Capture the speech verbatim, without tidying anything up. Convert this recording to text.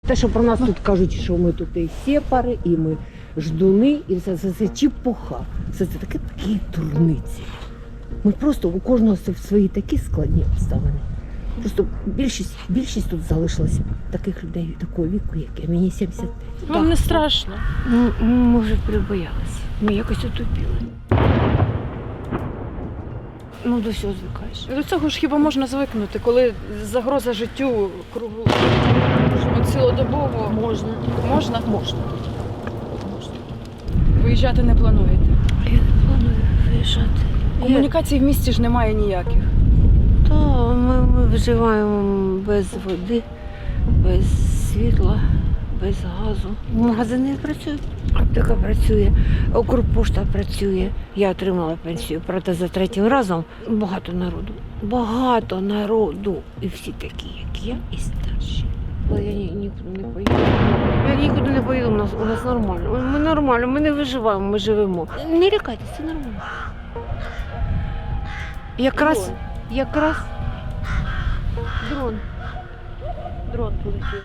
Те, що про нас тут кажуть, що ми тут і сепари, і ми ждуни, і все це, це чепуха. Все це таке такі дурниці. Ми просто у кожного свої такі складні обставини. Просто більшість, більшість тут залишилася таких людей такого віку, як я. Мені сімдесят п'ять. Вам не страшно? Ну, ми вже прибоялися. Ми якось отупіли. Ну, до всього звикаєш. До цього ж хіба можна звикнути, коли загроза життю кругу цілодобово. Можна. Можна? Можна. Виїжджати не плануєте? Я не планую виїжджати. Комунікацій в місті ж немає ніяких. То ми, ми вживаємо без води, без світла, без газу. Магазини працюють, аптека працює, Укрпошта працює. Я отримала пенсію, проте за третім разом багато народу. Багато народу. І всі такі, як я, і старші. Але я ні, нікуди не поїду. Я нікуди не поїду, у нас, у нас нормально. Ми нормально, ми не виживаємо, ми живемо. Не лякайтеся, це нормально. Якраз, якраз дрон. Дрон полетів.